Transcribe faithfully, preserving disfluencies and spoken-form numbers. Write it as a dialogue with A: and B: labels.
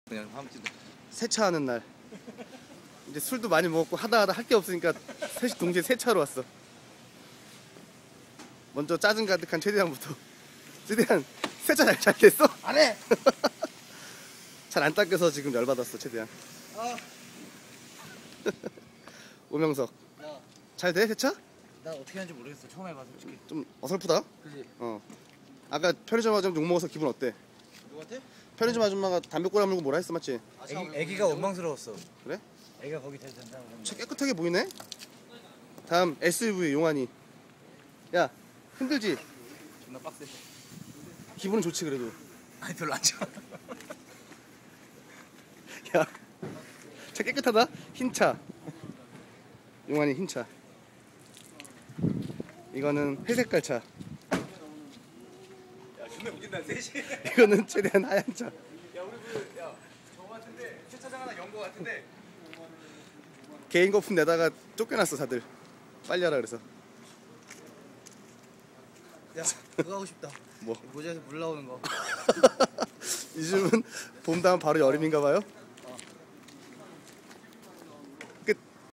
A: 그냥 아무튼
B: 세차하는 날. 이제 술도 많이 먹었고 하다 하다 할 게 없으니까 셋이 동시에 세차로 왔어. 먼저 짜증 가득한 최대한부터. 최대한 세차 잘, 잘 됐어?
A: 안 해.
B: 잘 안 닦여서 지금 열받았어 최대한.
A: 아,
B: 오명석
A: 나,
B: 잘 돼 세차?
A: 나 어떻게 하는지 모르겠어. 처음 해봐 솔직히.
B: 좀 어설프다.
A: 그지?
B: 어. 아까 편의점 아줌마 욕 먹어서 기분 어때?
A: 누구한테?
B: 편의점 아줌마가 담배 꼬라 물고 뭐라 했어 맞지?
A: 애기, 애기가 원망스러웠어.
B: 그래?
A: 애가 거기 대도 된다고.
B: 차 깨끗하게 보이네. 다음 에스유브이 용환이. 야 힘들지?
A: 존나 빡세.
B: 기분은 좋지 그래도.
A: 아니 별로 안 좋아.
B: 야, 차 깨끗하다. 흰 차. 용환이 흰 차. 이거는 회색깔 차.
A: 야 존나 웃긴다 셋이.
B: 이거는 최대한 하얀 차.
A: 야 우리 그야 저거 같은데 세차장 하나 연 거 같은데.
B: 개인 거품 내다가 쫓겨났어 다들. 빨리 하라 그래서.
A: 야 그거 하고 싶다.
B: 뭐?
A: 모자에서 물 나오는 거.
B: 요즘은 봄 다음 바로 여름인가 봐요.